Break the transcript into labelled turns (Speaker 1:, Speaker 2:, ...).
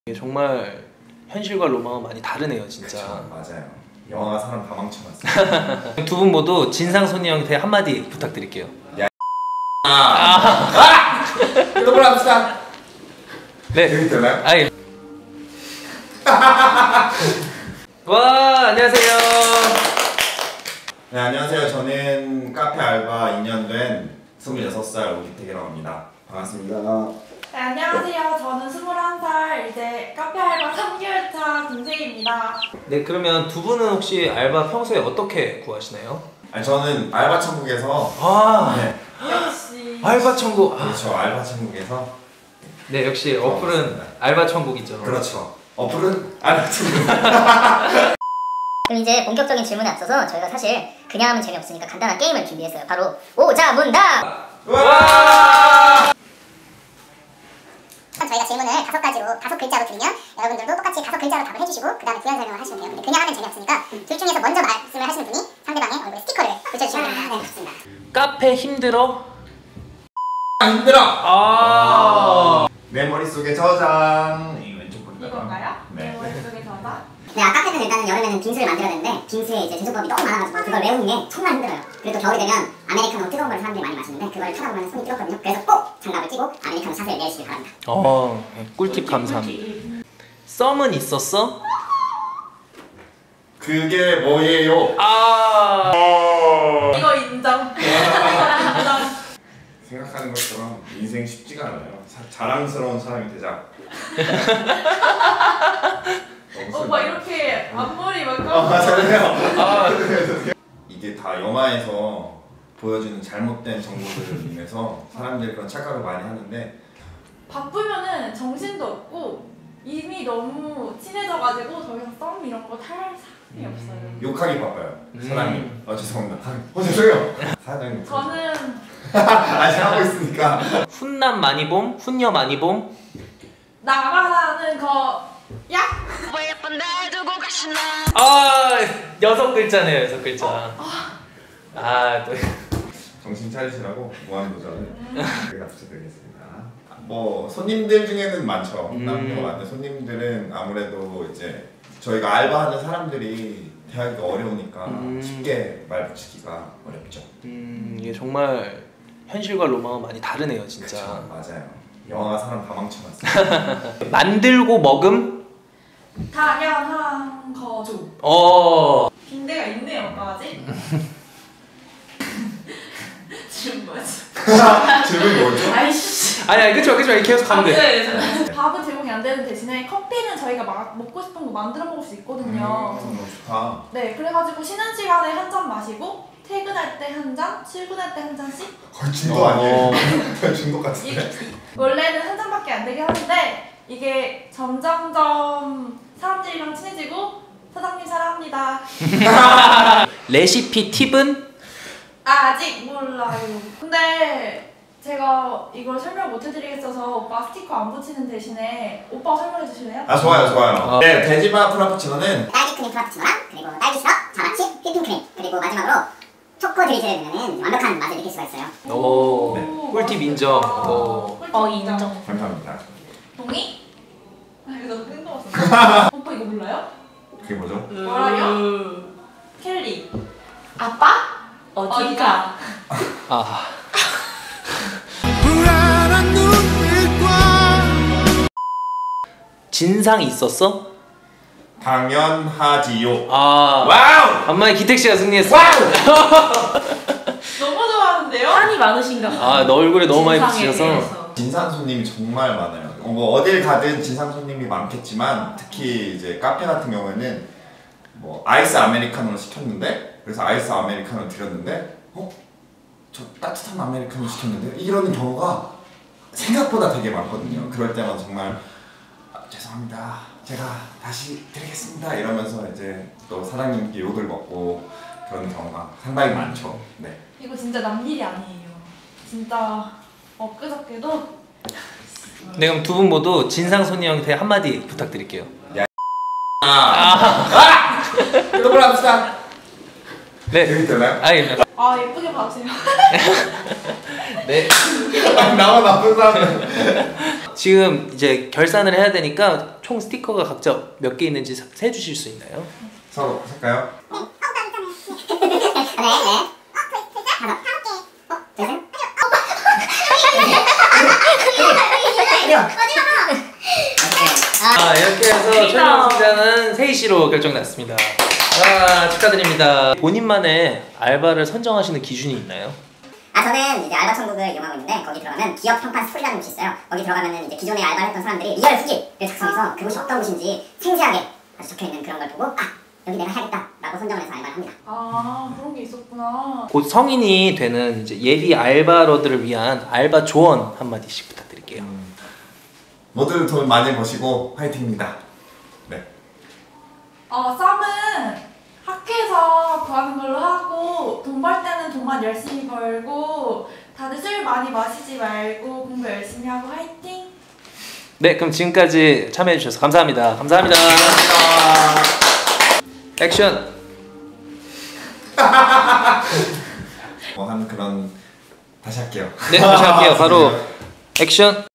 Speaker 1: 이게 정말 현실과 로망은 많이 다르네요, 진짜.
Speaker 2: 그쵸, 맞아요. 영화가 사람 다 망쳐놨어요.
Speaker 1: 두 분 모두 진상손이 형한테 한마디 부탁드릴게요.
Speaker 2: 야, 구독을 합시다.
Speaker 1: 네.
Speaker 2: 여기 되나요?
Speaker 1: 아니. 와, 안녕하세요.
Speaker 2: 네, 안녕하세요. 저는 카페 알바 2년 된 26살 오기택이라고 합니다. 반갑습니다.
Speaker 3: 네, 안녕하세요. 저는 21살 이제 카페 알바 3개월차 김세희입니다.
Speaker 1: 네, 그러면 두 분은 혹시 알바 평소에 어떻게 구하시나요?
Speaker 2: 아니, 저는 알바 천국에서 네.
Speaker 3: 역시
Speaker 1: 알바 천국.
Speaker 2: 그렇죠. 알바 천국에서
Speaker 1: 네, 역시 어플은 알바 천국이죠.
Speaker 2: 그렇죠. 어플은 알바 천국.
Speaker 4: 그럼 이제 본격적인 질문에 앞서서 저희가 사실 그냥 하면 재미없으니까 간단한 게임을 준비했어요. 바로 오자문답!
Speaker 2: 와!
Speaker 4: 저희가 질문을 5글자로 드리면 여러분들도 똑같이 5글자로 답을 해주시고 그 다음에 부연 설명을 하시면 돼요. 근데 그냥 하면 재미없으니까 둘 중에서 먼저 말씀을 하시는 분이 상대방의 얼굴에 스티커를 붙여주시면 됩니다. 네, 좋습니다.
Speaker 1: 카페 힘들어?
Speaker 2: 힘들어! 내 머릿속에 저장. 이 왼쪽 보니까
Speaker 3: 이건가요?
Speaker 2: 네.
Speaker 3: 머릿속에 저장?
Speaker 4: 네, 카페는 일단은 여름에는 빙수를 만들어야 되는데 빙수에 이제 제조법이 너무 많아가지고 그걸 외우는 게 정말 힘들어요. 그리고 또 겨울이 되면 아메리카노 뜨거운 걸 사람들이 많이 마시는데 그걸 찾아보면 손이 뜨겁거든요. 그래서 꼭 장갑을 끼고 아메리카노 샷을 내시길 바랍니다.
Speaker 1: 꿀팁 감사합니다. 썸은 있었어?
Speaker 2: 그게 뭐예요?
Speaker 3: 이거 인정. 인정.
Speaker 2: 생각하는 것처럼 인생 쉽지가 않아요. 자랑스러운 사람이 되자.
Speaker 3: 막 이렇게 앞머리 막
Speaker 2: 맞아요. 이게 다 영화에서 보여주는 잘못된 정보들로 인해서 사람들이 그런 착각을 많이 하는데
Speaker 3: 바쁘면은 정신도 없고 이미 너무 친해져가지고 더 이상 썸 이런 거 탈 사람이 없어요.
Speaker 2: 욕하기 바빠요. 사장님. 죄송합니다. 죄송해요. 사장님.
Speaker 3: 저는
Speaker 2: 아직 하고 있으니까.
Speaker 1: 훈남 많이 봄? 훈녀 많이 봄?
Speaker 3: 나가라는 거 야?
Speaker 1: 6글자네요, 6글자. 또.
Speaker 2: 정신 차리시라고 무한도전을 저희가 부탁드리겠습니다. 뭐 손님들 중에는 많죠. 남녀 많은 손님들은 아무래도 이제 저희가 알바하는 사람들이 대하기가 어려우니까 쉽게 말 붙이기가 어렵죠.
Speaker 1: 이게 정말 현실과 로망은 많이 다르네요, 진짜.
Speaker 2: 그쵸, 맞아요. 영화가 사람 다 망쳐놨어요.
Speaker 1: 만들고 먹음?
Speaker 3: 당연한 거죠. 빈대가 있네요, 오빠지? 지금 뭐지?
Speaker 2: 질문이 뭐죠?
Speaker 3: 아이씨.
Speaker 1: 아니, 그쵸, 이렇게 계속 가면 돼.
Speaker 3: 네. 밥은 제공이 안 되는 대신에 커피는 저희가 먹고 싶은 거 만들어 먹을 수 있거든요.
Speaker 2: 너무 좋다.
Speaker 3: 네, 그래가지고 쉬는 시간에 한 잔 마시고 퇴근할 때 한 잔, 출근할 때 한 잔씩.
Speaker 2: 거의 중독 아니에요? 중독 같은데?
Speaker 3: 원래는 한 잔밖에 안 되긴 하는데 이게 점점점 사람들이랑 친해지고 사장님 사랑합니다.
Speaker 1: 레시피 팁은?
Speaker 3: 아직 몰라요. 근데 제가 이걸 설명 못 해드리겠어서 오빠 스티커 안 붙이는 대신에 오빠 설명해 주실래요?
Speaker 2: 좋아요. 네, 돼지바 프라푸치노는
Speaker 4: 딸기 크림 프라푸치노랑 그리고 딸기 시럽, 자마치, 휘핑크림 그리고 마지막으로 초코 드리즐을 넣으면 완벽한 맛을 느낄 수가 있어요.
Speaker 1: 꿀팁 인정.
Speaker 3: 인정.
Speaker 2: 감사합니다.
Speaker 3: 동의? 이거 너무 뜬금없어. 오빠 이거 몰라요?
Speaker 2: 그게 뭐죠?
Speaker 3: 뭐라요? 켈리. 아빠? 어디가?
Speaker 1: 진상 있었어?
Speaker 2: 당연하지요.
Speaker 1: 와우! 간만에 기택씨가 승리했어.
Speaker 3: 너무 좋아하는데요?
Speaker 5: 한이 많으신가?
Speaker 1: 너 얼굴에 너무 많이
Speaker 5: 진상에
Speaker 1: 붙이셔서.
Speaker 5: 대해서.
Speaker 2: 진상 손님이 정말 많아요. 뭐 어딜 가든 진상 손님이 많겠지만 특히 이제 카페 같은 경우에는 뭐 아이스 아메리카노를 시켰는데 그래서 아이스 아메리카노를 드렸는데 저 따뜻한 아메리카노 시켰는데 이러는 경우가 생각보다 되게 많거든요. 그럴 때마다 정말 죄송합니다. 제가 다시 드리겠습니다. 이러면서 이제 또 사장님께 욕을 먹고 그런 경우가 상당히 많죠. 네.
Speaker 3: 이거 진짜 남 일이 아니에요. 진짜 엊그저께도
Speaker 1: 네, 그럼 두 분 모두 진상손이 형한테 한마디 부탁드릴게요.
Speaker 2: 구독을 합시다.
Speaker 1: 네.
Speaker 2: 여기 되나요?
Speaker 1: 아니,
Speaker 3: 예쁘게 봐주세요.
Speaker 1: 네.
Speaker 2: 나만 나쁜 사람.
Speaker 1: 지금 이제 결산을 해야 되니까 총 스티커가 각자 몇 개 있는지 세 주실 수 있나요?
Speaker 2: 서로 살까요?
Speaker 1: 이렇게 해서 최종 승자는 세희 씨로 결정났습니다. 축하드립니다. 본인만의 알바를 선정하시는 기준이 있나요?
Speaker 4: 저는 이제 알바 천국을 이용하고 있는데 거기 들어가면 기업 평판 스토리라는 곳이 있어요. 거기 들어가면은 이제 기존에 알바를 했던 사람들이 리얼 후기를 작성해서 그곳이 어떤 곳인지 생생하게 아주 적혀있는 그런 걸 보고 여기 내가 해야겠다라고 선정을 해서 알바를 합니다.
Speaker 3: 그런 게 있었구나.
Speaker 1: 곧 성인이 되는 이제 예비 알바러들을 위한 알바 조언 한마디씩 부탁드릴게요.
Speaker 2: 모두 돈 많이 버시고 화이팅입니다. 네.
Speaker 3: 썸은 학교에서 구하는 걸로 하고 돈 벌 때는 돈만 열심히 벌고 다들 술 많이 마시지 말고 공부 열심히 하고 화이팅!
Speaker 1: 네, 그럼 지금까지 참여해 주셔서 감사합니다. 감사합니다. 액션.
Speaker 2: 한 그런 다시 할게요.
Speaker 1: 네, 다시 할게요. 바로 액션.